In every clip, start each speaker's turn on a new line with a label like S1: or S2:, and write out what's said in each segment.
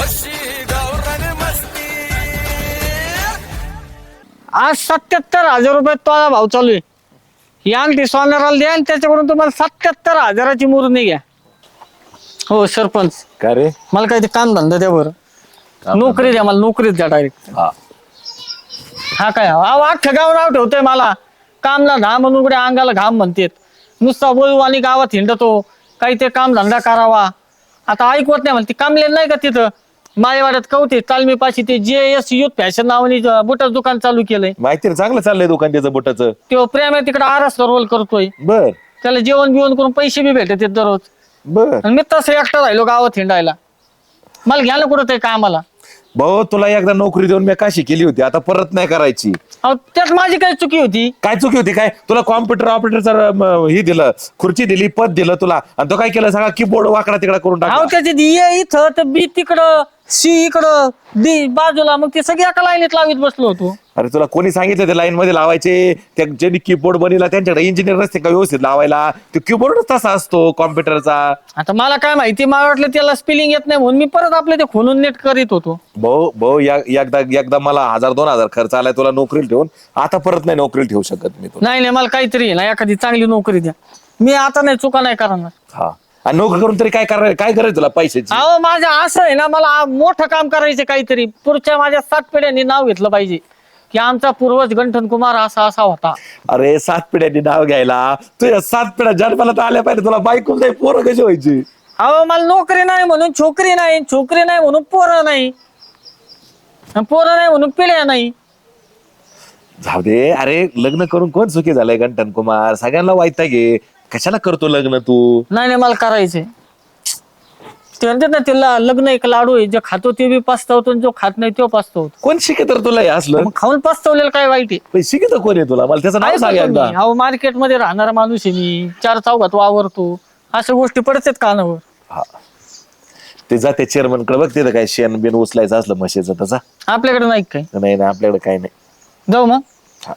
S1: आज 77,000 रुपये तोळा भाव चालू आहे. ही अंगठी सोनाराला द्या आणि त्याच्याकडून तुम्हाला 77,000ची मुरणी घ्या. हो सरपंच,
S2: का रे?
S1: मला काही ते काम धंदा द्या बरं. नोकरी द्या मला, नोकरीच द्या डायरेक्ट. हा काय अख्ख्या गाव नाव ठेवतोय मला. कामला घाम म्हणून कुठे अंगाला घाम म्हणतेत. नुसता बोलू आणि गावात हिंडतो. काही ते काम धंदा करावा. आता ऐकवत नाही म्हणते. कामले नाही का तिथं माळेवाड्यात कवते तालमी पाशी ते JS युथ फॅशन नावाने बुटाचं दुकान चालू केलंय.
S2: माहिती ना, चांगलं चाललंय दुकान त्याचं बुटाचं.
S1: तो प्रेम आहे तिकडे आरस रोल करतोय.
S2: बर
S1: त्याला जेवण बिवण करून पैसे बी भेटत दररोज.
S2: बर
S1: आणि मी तसं एकटा राहिलो गावात हिंडायला. मला घ्या ना कुठं ते कामाला.
S2: भाऊ, तुला एकदा नोकरी देऊन मी काशी केली होती, आता परत नाही करायची.
S1: अहो त्यात माझी काही चुकी होती.
S2: काय चुकी होती? काय तुला कॉम्प्युटर ऑपरेटरचं हे दिलं, खुर्ची दिली, पद दिलं तुला, आणि तो काय केलं सगळा कीबोर्ड वाकडा तिकडा करून
S1: अहो
S2: टाकला.
S1: त्याची ए इथं तर बी तिकडं सी इकडं डी बाजूला, मग ते सगळी एका लाईनीत लावीत बसलो होतो.
S2: अरे तुला कोणी सांगितलं ते लाईन मध्ये लावायचे? त्या ज्यांनी कीबोर्ड बनवला त्यांच्याकडे इंजिनियर नसते का व्यवस्थित लावायला? तो कीबोर्डच तसा असतो कॉम्प्युटरचा.
S1: आता मला काय माहिती, मला वाटलं त्याला स्पेलिंग येत नाही म्हणून मी परत आपले ते खोलून नेट करीत होतो.
S2: भाऊ एकदा मला 1,000-2,000 खर्च आलाय तुला नोकरीला ठेवून. आता परत नाही नोकरीला ठेवू शकत मी तुला.
S1: नाही मला काहीतरी ना एखादी चांगली नोकरी द्या. मी आता नाही चुका नाही करणार.
S2: हा, आणि नोकरी करून तरी काय करायचं तुला पैशाची?
S1: अहो माझं असं आहे ना, मला मोठं काम करायचं काहीतरी. पुढच्या माझ्या 7 पिढ्यांनी नाव घेतलं पाहिजे की आमचा पूर्वज गंठन कुमार असा असा होता.
S2: अरे 7 पिढ्यांनी नाव घ्यायला तुझ्या 7 पिढ्या जन्माला तर आल्या पाहिजे. तुला बायको नाही, पोरं कशी व्हायची?
S1: अहो मला नोकरी नाही म्हणून छोकरी नाही, छोकरी नाही म्हणून पोरं नाही, पोरं नाही म्हणून पिढ्या नाही.
S2: जाऊ दे. अरे लग्न करून कोण सुखी झालंय गंठन कुमार? सगळ्यांना वाईट घे. कशाला करतो लग्न तू?
S1: नाही मला करायचंय. ते म्हणतात ना, तिला लग्न एक लाडू आहे, जे खातो ते बी पस्तावतो आणि जो खात नाही तो पस्तावतो.
S2: कोण शिकत तुला हे असलं?
S1: मग खाऊन पस्तावलेलं काय वाईट आहे?
S2: पण शिकत कोण आहे तुला? मला त्याचं नाव सांग एकदा.
S1: अहो मार्केटमध्ये राहणारा माणूस आहे मी. 4 चौघात वावरतो. अशा गोष्टी पडतात कानावर.
S2: हा, ते जा त्या चेअरमन कडे बघ, तिथं काय शेण बिन उचलायचं असलं म्हशीचं तसा.
S1: आपल्याकडे नाही काय?
S2: नाही ना, आपल्याकडे काही नाही.
S1: जाऊ मग.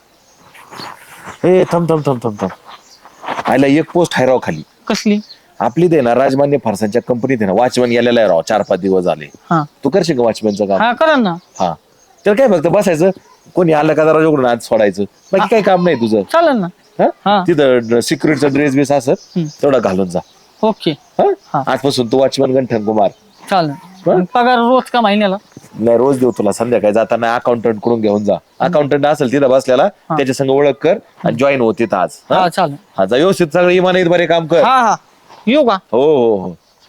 S2: ए थांब. आयला एक पोस्ट आहे राव खाली.
S1: कसली?
S2: आपली दे ना, राजमान्य फारसांच्या कंपनीत आहे ना, वॉचमॅन गेलेला आहे राव. 4-5 दिवस झाले.
S1: हा
S2: तू करशील का वॉचमॅनचं काम?
S1: हा करा ना.
S2: हा, तर काय फक्त बसायचं, कोणी आलं का दरवाजा उघडून आज सोडायचं, बाकी काही काम नाही तुझं.
S1: चालेल ना.
S2: हा?
S1: हा.
S2: तिथं सिक्युरिटीचा ड्रेस बिस असत तेवढा घालून जा.
S1: ओके.
S2: हा?
S1: हा.
S2: आजपासून तू वॉचमॅन गंठन कुमार.
S1: चालेल. पगार रोज का महिन्याला?
S2: नाही, रोज देऊ तुला. संध्याकाळी जाताना अकाउंटंट कडून घेऊन जा. अकाउंटंट असेल तिथं बसलेला, त्याच्या संग ओळख कर आणि जॉईन हो तिथं आज.
S1: हा चालेल.
S2: हा, जा व्यवस्थित सगळं इमानीत बरे काम कर.
S1: हा येऊ का?
S2: हो.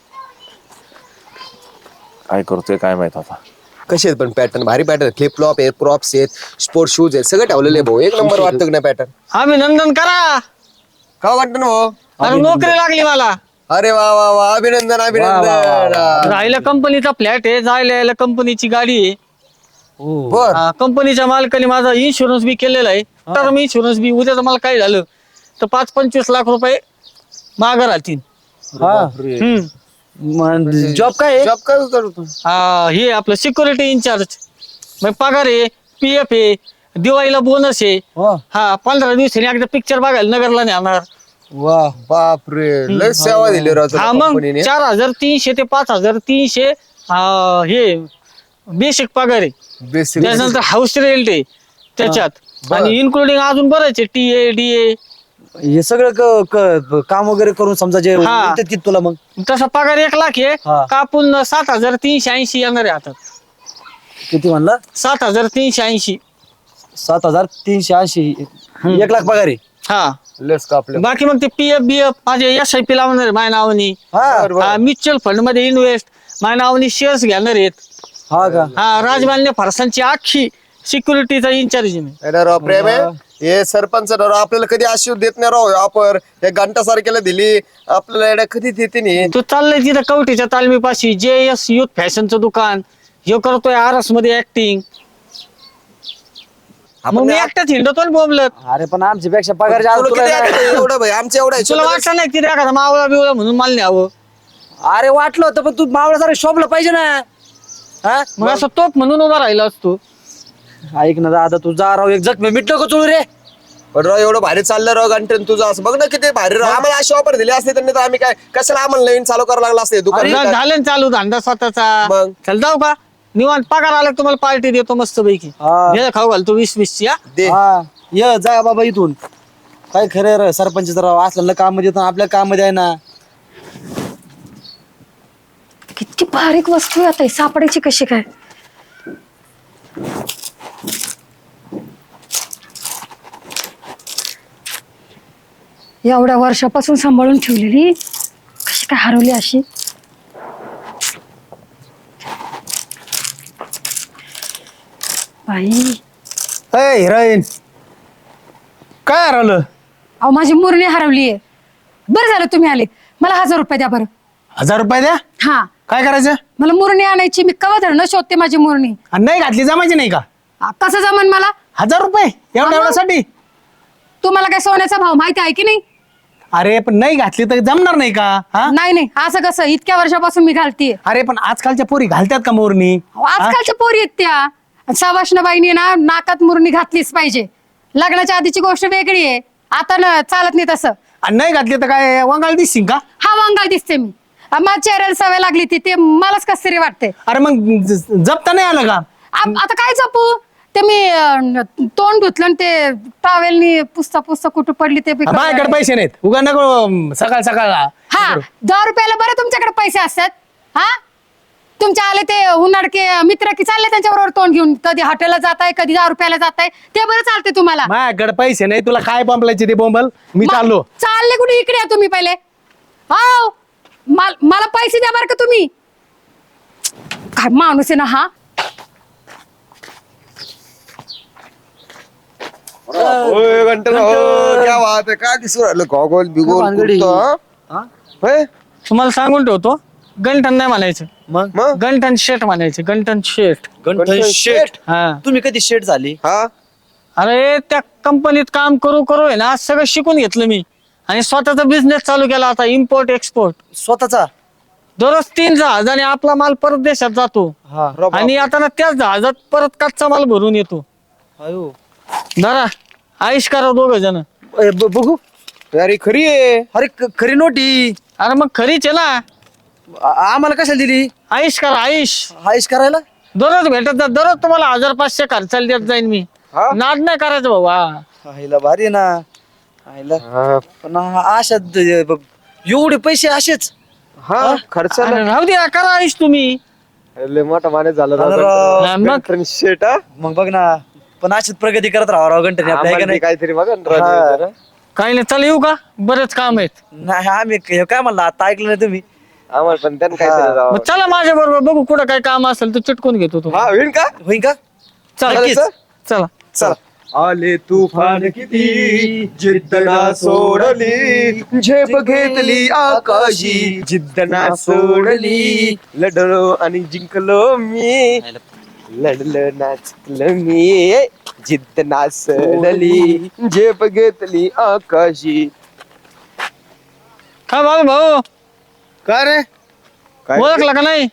S2: काय करतोय काय माहित आता.
S3: कसे आहेत पण पॅटर्न? भारी पॅटर्न. फ्लिप फ्लॉप आहेत, प्रॉप्स आहेत, स्पोर्ट शूज आहेत, सगळं ठेवलेलं आहे भाऊ. एक नंबर वाटतं ना पॅटर्न.
S1: अभिनंदन करा.
S3: का वाटतं ना भाऊ?
S1: अरे नोकरी लागली मला.
S3: अरे वा वा वा, अभिनंदन अभिनंदन.
S1: राहिला कंपनीचा फ्लॅट आहे, जायला यायला कंपनीची गाडी आहे.
S3: बर
S1: कंपनीच्या मालकाने माझा इन्शुरन्स बी केलेला आहे. टर्म इन्शुरन्स बी. उद्या मला काय झालं तर 5-25 लाख रुपये मागं राहतील.
S4: जॉब काय
S3: जॉब काय करतो?
S1: हे आपलं सिक्युरिटी इन्चार्ज. मग पगार आहे, PF आहे, दिवाळीला बोनस आहे. हा 15 दिवसांनी एकदा पिक्चर बघायला नगरला नेणार.
S3: वा बापरे, लय सेवा दिली राव
S1: हा मग
S3: कंपनीने.
S1: 4,300 ते 5,300 हे बेसिक पगार आहे.
S3: बेसिक
S1: त्यानंतर हाऊस रेंट आहे त्याच्यात, आणि इन्क्लुडिंग अजून बरेच आहे, TA DA.
S4: हे सगळं काम वगैरे करून समजा जे उरतात की तुला मग
S1: तसा पगार 1 लाख आहे. कापून 7,380 येणार आहे आता.
S4: किती म्हणला?
S1: 7,380.
S4: 7,380. 1 लाख पगार आहे.
S1: हा
S3: लेस कापले.
S1: बाकी मग ते PF BF माझे SIP लावणार आहे माझ्या नावानी. म्युच्युअल फंड मध्ये इन्व्हेस्ट माझ्या नावानी शेअर्स घेणार आहेत.
S4: हा का?
S1: हा राजमान्य फारसांची अख्खी सिक्युरिटीचा इन्चार्ज मी.
S3: राव प्रेम आहे हे सरपंच राव. आपल्याला कधी आशीर्वाद देत नाही राव. आपण हे घंटा सारख्याला दिली आपल्याला एवढ्या कधी देते नाही.
S1: तो चाललाय तिथं कवठीच्या तालमीपाशी JS युथ फॅशनचं दुकान. हे करतोय आरस मध्ये ऍक्टिंग. मग मी एकटाच हिंडतो बोंबलत.
S4: अरे पण आमच्यापेक्षा पगार जास्त
S3: तुला
S4: तुला
S3: किती
S4: नाही.
S3: आहे? एवढं भाई आमच्या एवढं आहे.
S1: तुला वाटलं नाही तिथे एखादा मावळा बिवळा म्हणून मला न्यावं?
S4: अरे वाटलं होतं पण तू मावळा सारे शोभला पाहिजे ना. हा
S1: मग असं तोप म्हणून उभा राहिला असतो.
S4: ऐक ना दादा, तू जा राव. एक जखमी मिटलं का चुळू रे?
S3: पण राव एवढं भारी चाललं राव घंटन तुझं असं बघ ना किती भारी राव आम्हाला अशी ऑफर दिली असते त्यांनी तर आम्ही काय कशाला आम्हाला नवीन चालू करावं लागलं असते दुकान
S1: आता झालं ना चालू धंदा स्वतःचा.
S3: मग?
S1: चल जाऊ का निवांत पगार आला की तुम्हाला पार्टी देतो मस्त पैकी.
S4: हा.
S1: खाऊ घालतो 20-20 ची.
S3: दे
S4: हा ये जा बाबा इथून. काय खरं सरपंच राव असलं काम मध्ये येतो आपल्या काम मध्ये आहे ना.
S5: किती बारीक वस्तू आहे आता ही सापडायची कशी काय. एवढ्या वर्षापासून सांभाळून ठेवलेली कशी काय हरवली अशी. बाई
S6: हिरोईन काय हरवलं?
S5: अहो माझी मुरणी हरवली आहे. बरं झालं तुम्ही आले. मला 1000 रुपये द्या बरं.
S6: 1000 रुपये द्या.
S5: हा
S6: काय करायचं?
S5: मला मुरणी आणायची. मी कवा धरणं शोधते माझी मुरणी.
S6: आणि नाही घातली जमायची नाही का?
S5: कसं जमन मला.
S6: 1000 रुपये एवढ्यासाठी?
S5: तुम्हाला काय सोन्याचा भाव माहिती आहे की नाही.
S6: अरे पण नाही घातली तर जमणार नाही का? हा
S5: नाही नाही असं कसं इतक्या वर्षापासून मी घालतीये.
S6: अरे पण आजकालच्या पोरी घालतात का मोरणी?
S5: आजकालच्या पोरी आहेत त्या. सवाष्णबाईंनी ना नाकात मुरणी घातलीच पाहिजे. लग्नाच्या आधीची गोष्ट वेगळी आहे. आता ना चालत नाही तसं.
S6: आणि नाही घातली तर काय वंगाळ दिसशील का?
S5: हा वांगाळ दिसते मी. माझ्या चेहऱ्याला सवय लागली ती ते मलाच कस तरी वाटते.
S6: अरे मग जपता नाही आलं का?
S5: आता काय जपू ते मी तोंड धुतलं आणि ते टॉवेलनी पुसता पुसता कुठं पडली ते बी
S6: माझ्याकडे
S5: कळलं.
S6: पैसे नाहीत उगा नको सकाळ सकाळ.
S5: हा 10 रुपयाला बरं तुमच्याकडे पैसे असतात. हा तुमच्या आले ते उन्हाळके मित्र की चालले त्यांच्याबरोबर तोंड घेऊन कधी हॉटेलला जाताय कधी 10 रुपयाला जाताय ते बरं चालते तुम्हाला.
S6: माझ्याकडे पैसे नाही तुला काय बोंबलायचे ते बोंबल. मी
S5: मग
S6: चाललो.
S5: चालले कुठे इकडे या तुम्ही पहिले. हो मला पैसे द्या बरं का तुम्ही. काय माणूस आहे ना हा.
S3: घंटन क्या बात आहे काय दिसू राहिलं गॉगल बिगोल
S4: भानगडी?
S3: कुर्ता. होय?
S1: तुम्हाला सांगून ठेवतो गंठन नाही म्हणायचं.
S4: मग
S3: मग
S1: गंठन शेठ म्हणायचं. गंठन शेठ.
S4: गंठन शेट.
S1: हा
S4: तुम्ही कधी शेट झाली?
S3: हा
S1: अरे त्या कंपनीत काम करू करू आहे ना सगळं शिकून घेतलं मी. आणि स्वतःचा बिझनेस चालू केला आता इम्पोर्ट एक्सपोर्ट.
S4: स्वतःचा?
S1: दररोज 3 जहाजाने आपला माल परत देशात जातो.
S4: हा
S1: आणि आता ना त्याच जहाजात परत कच्चा माल भरून येतो.
S4: अयो.
S1: धरा आयुष करा 2 जण.
S4: बघू.
S3: अरे खरी आहे.
S4: अरे खरी नोटी.
S1: अरे मग खरीच आहे ना.
S4: आम्हाला कशाला दिली?
S1: आयुष करा आयुष.
S4: आयुष करायला?
S1: दररोज भेटत जा. दररोज तुम्हाला 1500 खर्चाला देत जाईन मी.
S3: हा?
S1: नाद नाही करायचं भाऊ. हा
S4: आईला भारी आहे ना. आईला पण अशा एवढे पैसे असेच.
S3: हा खर्च
S1: अरे राहू द्या करा आयुष तुम्ही.
S3: लय मोठा माणूस झाला
S4: अरे
S3: राव
S4: राव.
S1: हा, मग
S3: गंटन शेट हा?
S4: मग बघ ना पण अशीच प्रगती करत राहा राव गंटने आपल्या
S3: आम्हाला
S4: का
S3: ते
S4: नाही?
S3: काहीतरी बघा ना
S4: हा.
S3: राजू जरा.
S1: काही नाही चला येऊ का बरेच काम आहेत.
S4: नाही आम्ही काय म्हणलं आता ऐकलं नाही तुम्ही?
S3: आम्हाला पण त्यांना काहीतरी राव.
S1: मग चला माझ्या बरोबर बघू कुठं काय काम असेल तर चिटकून घेतो तू.
S3: हा होईल का
S4: होईन का?
S1: चला
S3: नक्कीच.
S1: चला.
S3: चला आले तुफान किती जिद्द ना सोडली झेप घेतली आकाशी जिद्द ना सोडली लढलो आणि जिंकलो मी लढलं नाचलं मी जिद्द ना सोडली झेप घेतली आकाशी.
S1: का बाबा भाऊ
S6: काय रे?
S3: काय
S1: ओळखला का नाही?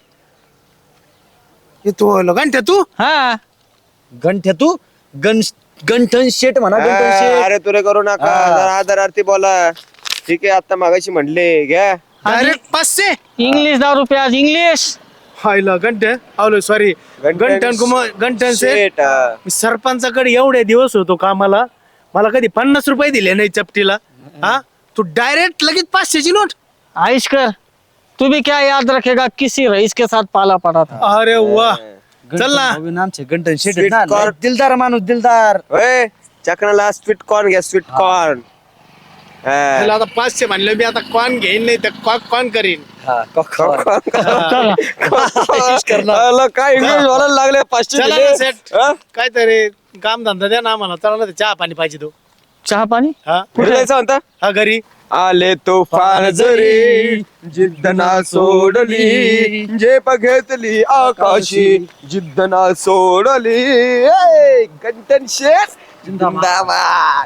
S6: तू घंट्या तू
S1: हा
S4: गंठ्या तू गंठन शेट म्हणा गंठन शेट.
S3: अरे तुरे करू नका जरा आदरार्थी बोला. ठीक आहे आता मागाशी म्हणले घ्या.
S6: डायरेक्ट 500.
S1: इंग्लिश 10 रुपये आज इंग्लिश.
S6: हायला घंटे आवलो सॉरी घंटन से
S3: शेट, हा.
S6: मी सरपंचाकडे एवढे दिवस होतो कामाला मला कधी 50 रुपये दिले नाही चपटीला. हा तू डायरेक्ट लगेच 500 ची नोट.
S1: आयुष कर तू भी क्या याद रखेगा किसी रईस के साथ पाला पड़ा था.
S6: अरे वा चल ना.
S4: गंठन आमचे गंठन शेट
S3: Sweet
S4: आहेत ना.
S3: corn.
S4: लय दिलदार माणूस दिलदार.
S3: होय चकनाला स्वीट कॉर्न घ्या स्वीट कॉर्न.
S6: त्याला आता 500 म्हणलं मी आता कोण घेईन नाही तर कोण करीन.
S4: हा, corn.
S1: चला
S3: काय इंग्लिश बोलायला लागले 500
S6: चला
S3: दिले.
S6: ना सेट
S3: हा?
S6: काय तरी काम धंदा द्या ना आम्हाला. चला ना ते चहा पाणी पाहिजे तो.
S1: चहा पाणी.
S6: हा
S3: कुठे जायचं म्हणता
S6: हा घरी.
S3: आले तुफान जरी जिद्द ना सोडली झेप घेतली आकाशी जिद्द ना सोडली ए, गंटन शेठ जिंदाबाद.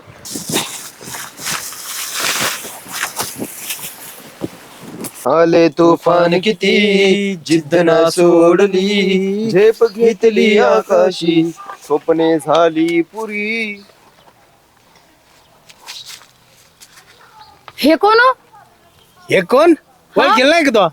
S3: आले तुफान किती जिद्द ना सोडली झेप घेतली आकाशी स्वप्ने झाली पुरी.
S5: हे कोण हो?
S6: हे कोण ओळखेल नाही का तो?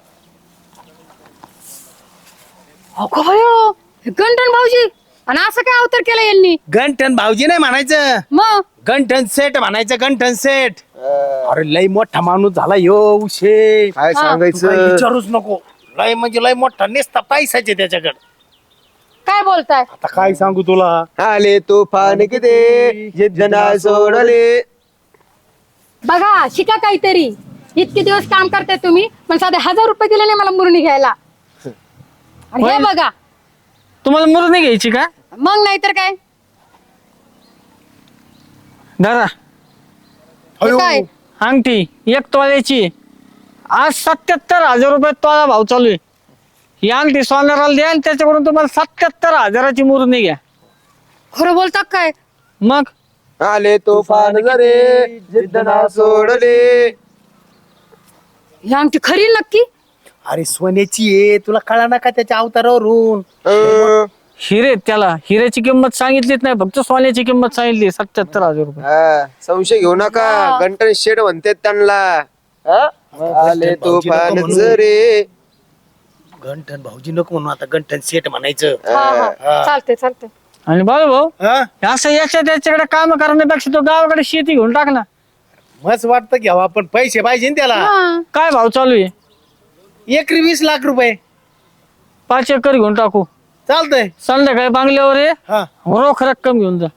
S5: अगो भयो, हे गंठन भाऊजी. आणि असं काय अवतार केलं यांनी?
S6: गंठन भाऊजी नाही म्हणायचं,
S5: मग
S6: गंठन सेठ म्हणायचं. गंठन सेठ. अरे लय मोठा माणूस झाला यो उशे.
S3: काय
S6: तू काही
S3: सांगायचं
S6: विचारूच नको. लय म्हणजे लय मोठा नेसता पैसाचे त्याच्याकडे.
S5: काय बोलताय?
S6: आता काय सांगू तुला.
S3: आले तुफान किती जिद्द नाही सोडले.
S5: बघा शिका काहीतरी. इतके दिवस काम करताय तुम्ही, पण साधे 1000 रुपये दिले नाही मला मुरणी घ्यायला. आणि हे बघा,
S1: तुम्हाला मुरणी घ्यायची का?
S5: मग नाहीतर काय.
S1: दादा
S5: हे काय?
S1: अंगठी 1 तोळ्याची आज 77,000 रुपये तोळा भाव चालू आहे. ही अंगठी सोनाराला द्या आणि त्याच्याकडून तुम्हाला 77,000ची मुरणी घ्या.
S5: खरं बोलतात काय?
S1: मग
S3: आले तुफान जरे जिद्द नाही सोडले.
S5: ही अंगठी खरी नक्की?
S6: अरे सोन्याची आहे, तुला कळा ना का त्याच्या अवतारावरून.
S1: हिरे, त्याला हिऱ्याची किंमत सांगितलीच नाही, फक्त सोन्याची किंमत सांगितली 77,000 रुपये.
S3: हा, संशय घेऊ नका. गंटन शेड म्हणते त्यांना. आले तुफान जरे.
S6: गंठन भाऊजी नको म्हणून, आता गंठन सेठ म्हणायचं.
S5: हा चालते चालते.
S1: आणि बाळू भाऊ
S6: हा?
S1: असं याच्याकडे काम करण्यापेक्षा तो गावाकडे शेती घेऊन टाक ना.
S6: मस्त वाटतं घ्यावा, पण पैसे पाहिजे ना त्याला.
S5: हा.
S1: काय भाव चालू आहे?
S6: एकरी 20 लाख रुपये.
S1: 5 एकर घेऊन टाकू.
S6: चालतंय.
S1: संध्याकाळी बांगल्यावर ये,
S6: हा,
S1: रोख रक्कम घेऊन जा.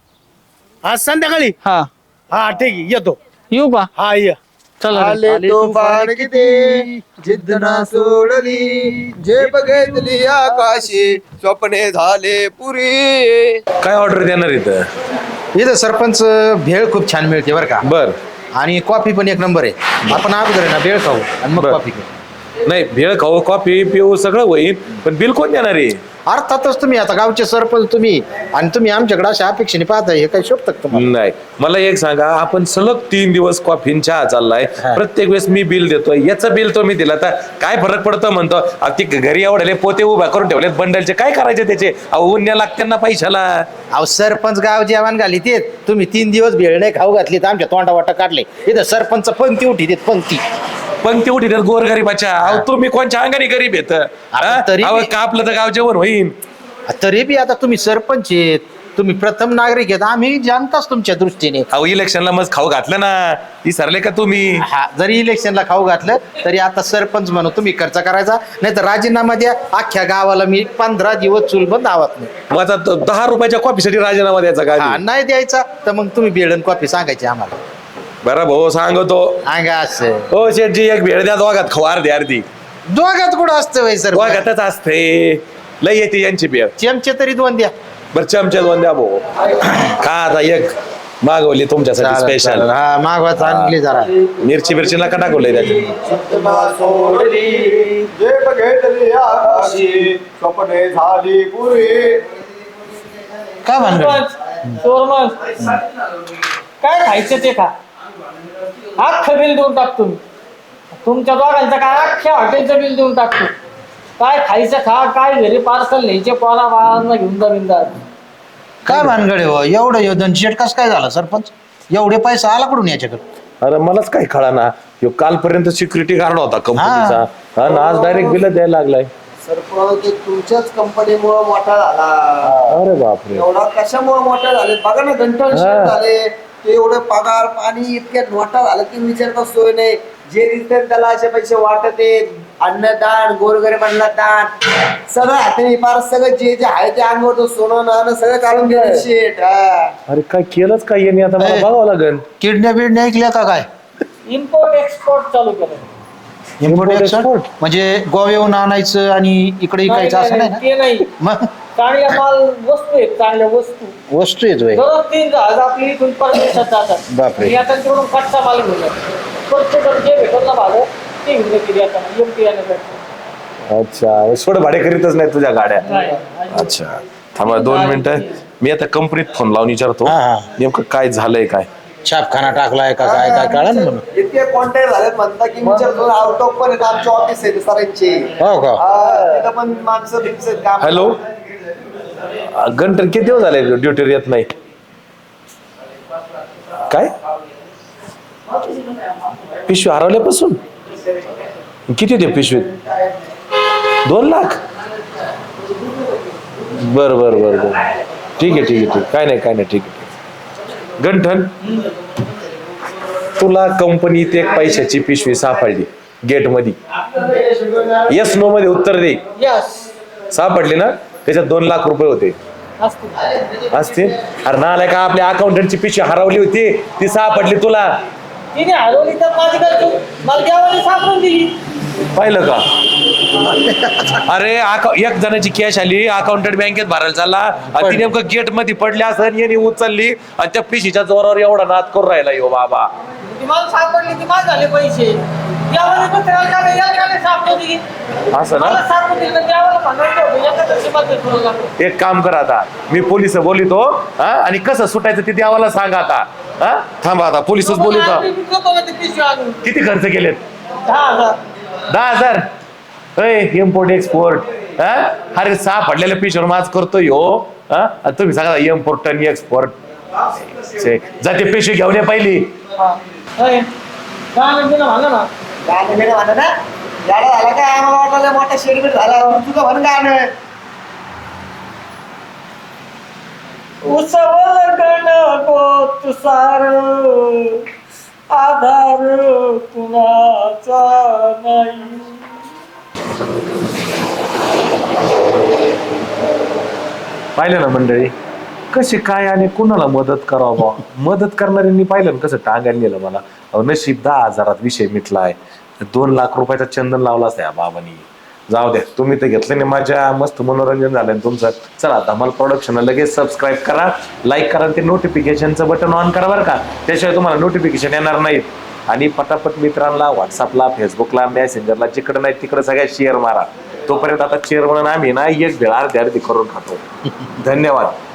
S6: आज संध्याकाळी.
S1: हा
S6: हा ठीक आहे, येतो.
S1: येऊ का?
S6: हा ये.
S1: चला
S3: आले तुफान किती जिद्द ना सोडली. जे बघितली आकाशी स्वप्ने झाले पुरी.
S2: काय ऑर्डर देणार इथं?
S7: इथं सरपंच भेळ खूप छान मिळते बरं का.
S2: बर.
S7: आणि कॉफी पण 1 नंबर आहे. आपण अगोदर आहे ना भेळ खाऊ आणि मग
S2: बरं.
S7: कॉफी घेऊ.
S2: नाही, भेळ खाऊ, कॉफी पिऊ सगळं होईल, पण बिल कोण देणार आहे?
S7: अर्थातच तुम्ही आता गावचे सरपंच तुम्ही, आणि तुम्ही आमच्याकडे अशा अपेक्षेने पाहताय, हे काही शोभतं का तुम्हाला?
S2: नाही, मला एक सांगा, आपण सलग 3 दिवस कॉफी आणि चहा चाललाय, प्रत्येक वेळेस मी बिल देतोय, याचं बिल तो मी दिला, तर काय फरक पडतो म्हणतो? ती घरी एवढे पोते उभा करून ठेवलेत बंडलचे, काय करायचे त्याचे? उन्या लागते ना पैशाला.
S7: अहो सरपंच गाव जेवण घाली ते तुम्ही 3 दिवस भेळ नाही खाऊ घातली तर आमच्या तोंडा वाटा काढले. इथं सरपंच पंक्ती उठी देत पंक्ती.
S2: पंक्ती उठी तर गोरगरीबाच्या. अहो तुम्ही कोणच्या अंगाने गरीब येत?
S7: तरी
S2: का आपलं तर गाव जेवण होईल?
S7: तरी बी आता तुम्ही सरपंच आहेत, तुम्ही प्रथम नागरिक आहेत, आम्ही जनताच तुमच्या दृष्टीने.
S2: अहो इलेक्शनला मग खाऊ घातलं ना, ती सरले का तुम्ही?
S7: हा, जरी इलेक्शनला खाऊ घातलं तरी आता सरपंच म्हणून तुम्ही खर्च करायचा, नाही तर राजीनामा द्या. अख्ख्या गावाला मी 15 दिवस चुलबंद आवात नाही.
S2: माझा 10 रुपयाच्या कॉफीसाठी राजीनामा द्यायचा
S7: हा,
S2: का?
S7: नाही द्यायचा तर मग तुम्ही भेळ कॉफी सांगायची आम्हाला.
S2: बरं भाऊ सांगतो.
S7: सांगा असं.
S2: हो शेठजी, एक भेळ द्या, दोघात खाऊ, अर्धी अर्धी.
S7: दोघात कुठं असतं वय सर?
S2: दोघातच असते, लय येते यांची भेळ.
S7: चमचे तरी 2 द्या.
S2: बरं चमचे 2 द्या भाऊ. का आता एक मागवली तुमच्यासाठी
S7: चालेल,
S2: स्पेशल.
S7: चालेल. हा मागवा चांगली जरा.
S2: मिरची बिरची नका टाकवलंय त्याच्यात.
S3: जे बघितली आकाशी स्वप्ने झाली पुरी.
S7: काय म्हणतो?
S1: काय खायचं ते खा. अख्खं बिल देऊन टाकतो मी. तुमच्या दोघांचं काय अख्ख्या हॉटेलचं बिल देऊन टाकतो. काय खायचं खा, काय घरी पार्सल न्यायचे, पोरा बाळांना घेऊन जा बिंदा.
S7: काय भानगड हो एवढं योधन शेट कसं काय झालं सरपंच? एवढे पैसा आला कुठून याच्याकडे?
S2: अरे मलाच काही कळा ना, कालपर्यंत सिक्युरिटी गार्ड होता कंपनीचा, आणि आज डायरेक्ट बिल द्यायला लागलाय.
S3: सरपंच तुमच्याच कंपनीमुळे मोठा झाला.
S2: अरे बापरे.
S3: एवढा कशामुळे मोठा झाले बघा ना. गंठन शेड झाले ते एवढे पगार पाणी इतक्या मोठा झाला की विचारता सोय नाही. जे रिटर्न त्याला असे पैसे वाटत आहेत, अन्नदान, गोरगरिबांना दान, सगळं हाताने फार सगळं जे जे आहे ते अंगावर सोनं नाणं सगळं काढून गेलं शेट.
S2: अरे काय केलंच काय यांनी? आता मला बघावं लागेल.
S7: किडण्या बिडण्या ऐकल्या का काय?
S1: इम्पोर्ट एक्सपोर्ट चालू केलं.
S7: इम्पोर्ट एक्सपोर्ट म्हणजे गोव्याहून आणायचं आणि इकडे विकायचं असं नाही ना?
S1: ते नाही,
S7: मग
S1: चांगल्या माल वस्तू आहेत, चांगल्या वस्तू.
S7: वस्तू येतोय.
S1: दररोज 3 जहाज आपली इथून परदेशात जातात.
S7: बापरे.
S1: आणि आता तिकडून कच्चा माल घेऊन जातात. स्वच्छ करून जे भेटत ना भाडं ते घेऊन येते आता एमटी आणण्यासाठी.
S2: अच्छा, सोड भाडे करीतच नाही तुझ्या गाड्या.
S1: नाही.
S2: अच्छा थांबा 2 मिनिटं, मी आता कंपनीत फोन लावून विचारतो
S7: हा, हा.
S2: नेमकं काय झालंय काय.
S7: छापखाना टाकलाय का काय काय कळा ना म्हणून.
S3: इतके कॉन्टॅक्ट झालेत म्हणता की विचारतो आउट ऑफ पण आमचे ऑफिस आहे सरांचे.
S7: हो का?
S3: तिथं पण माणसं बिनसं काम.
S2: हॅलो, गंटन किती दिवस झाले ड्युटीवर येत नाही? काय पिशवी हरवल्यापासून किती होते पिशवीत? 2 लाख? बर बर बर बर, ठीक आहे ठीक आहे ठीक, काय नाही ठीक आहे. गंठन, तुला कंपनीत एक पैशाची पिशवी सापडली गेट मध्ये, येस नो मध्ये उत्तर दे. सापडली ना? त्याच्यात 2 लाख रुपये होते असते. अरे नालाय का, आपल्या अकाउंटंटची पिशवी हरवली होती, ती सापडली तुला.
S1: तिने हरवली तर माझी काय चूक? मला देवाने सापडून दिली.
S2: पाहिलं का? अरे एक जणाची कॅश आली, अकाउंटंट बँकेत भरायला चालला आणि ती नेमकं गेट मध्ये पडली असं, याने उचलली आणि त्या पिशीच्या जोरावर एवढा नाद करून राहिला यो बाबा.
S1: ती मला सापडली, ती माझ झाले पैसे. देवाने पण त्याला काय याला सापडून दिली.
S2: असं
S1: मला
S2: ना?
S1: सापडून दिली तर देवाला म्हणायचं होतं, एखाद्या शिमाचं करू लागलो.
S2: एक काम कर आता, मी पोलिस बोलितो हा, आणि कसं सुटायचं ते देवाला सांगा आता. हा थांबा आता, पोलिसच बोलितो.
S1: आम्ही विकतो ना ती पिशवी आणून.
S2: किती खर्च केलेत?
S1: 10,000.
S2: 10,000? इम्पोर्ट एक्सपोर्ट हा? अरे सापडलेल्या पिशवीवर माझ करतोय हो. हा तुम्ही सांगा इम्पोर्ट आणि एक्सपोर्ट. जाते पिशवी घेऊन ये पहिली.
S1: होय. गाणं बिणं म्हणा ना.
S3: गाणं बिणं म्हणा ना. गाणं झाला काय, आम्हाला वाटलं मोठा शेडबेट झाला. तुझं म्हण गाणं.
S1: उसवल गणगोत सार, आधार कुणाचा नाही.
S2: पाहिलं ना मंडळी, कशी काय आणि कुणाला मदत करावं. मदत करणाऱ्यांनी पाहिलं ना कसं टांगायला गेलं मला. नशीब 10,000 विषय मिटलाय. 2 लाख रुपयाचा चंदन लावला असता या बाबांनी. जाऊ द्या, तुम्ही तर घेतलं नाही, माझ्या मस्त मनोरंजन झालं तुमचं. चला धमाल प्रोडक्शन लगेच सबस्क्राईब करा, लाईक करा, ते नोटिफिकेशनचं बटन ऑन करा बरं का, त्याशिवाय तुम्हाला नोटिफिकेशन येणार नाहीत. आणि पटापट मित्रांना व्हॉट्सअपला, फेसबुकला, मेसेंजरला, जिकडं नाही तिकडं सगळ्या शेअर मारा. तोपर्यंत आता चेअर म्हणून आम्ही ना एक भेळ अर्धी करून खातो. धन्यवाद.